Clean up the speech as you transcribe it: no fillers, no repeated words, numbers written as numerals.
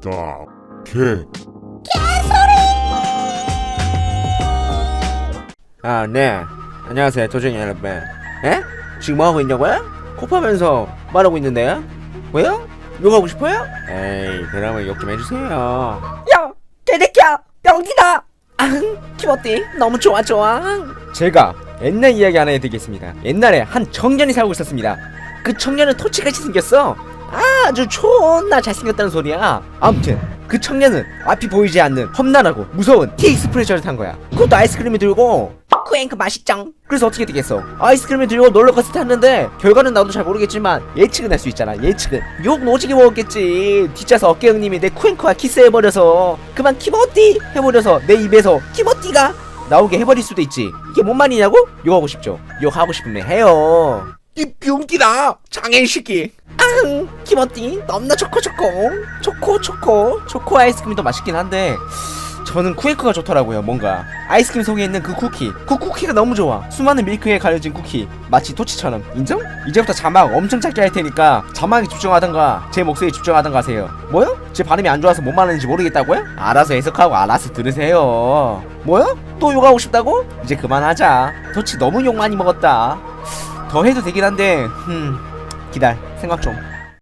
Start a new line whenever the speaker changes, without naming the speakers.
딱, 개.
아, 네. 안녕하세요, 도전이 여러분. 에? 지금 뭐하고 있냐고요? 코파면서 말하고 있는데요? 왜요? 욕하고 싶어요? 에이, 그러면 욕 좀 해주세요. 야! 개새끼야! 병기다! 앙! 키워띠 너무 좋아. 제가 옛날 이야기 하나 해드리겠습니다. 옛날에 한 청년이 살고 있었습니다. 그 청년은 토치같이 생겼어. 아주 존나 잘생겼다는 소리야. 아무튼 그 청년은 앞이 보이지 않는 험난하고 무서운 티익스프레셔를 탄 거야. 그것도 아이스크림을 들고. 쿠앤크 맛있짱. 그래서 어떻게 되겠어? 아이스크림을 들고 롤러코스터 탔는데 결과는 나도 잘 모르겠지만 예측은 할 수 있잖아. 예측은. 욕 오지게 먹었겠지. 뒷좌석 어깨 형님이 내 쿠앤크와 키스해버려서 그만 키버띠 해버려서 내 입에서 키버띠가 나오게 해버릴 수도 있지. 이게 뭔 말이냐고? 욕하고 싶죠. 욕하고 싶으면 해요. 이 병기다 장애인 시끼. 앙! 키버띠 넘나 초코 아이스크림이 더 맛있긴 한데 저는 쿠에크가 좋더라고요. 뭔가 아이스크림 속에 있는 그 쿠키가 너무 좋아. 수많은 밀크에 가려진 쿠키 마치 토치처럼. 인정? 이제부터 자막 엄청 작게 할 테니까 자막에 집중하던가 제 목소리에 집중하던가 하세요. 뭐요? 제 발음이 안 좋아서 뭔 말하는지 모르겠다고요? 알아서 해석하고 알아서 들으세요. 뭐요? 또 욕하고 싶다고? 이제 그만하자. 토치 너무 욕 많이 먹었다. 더 해도 되긴 한데 기다려 생각 좀.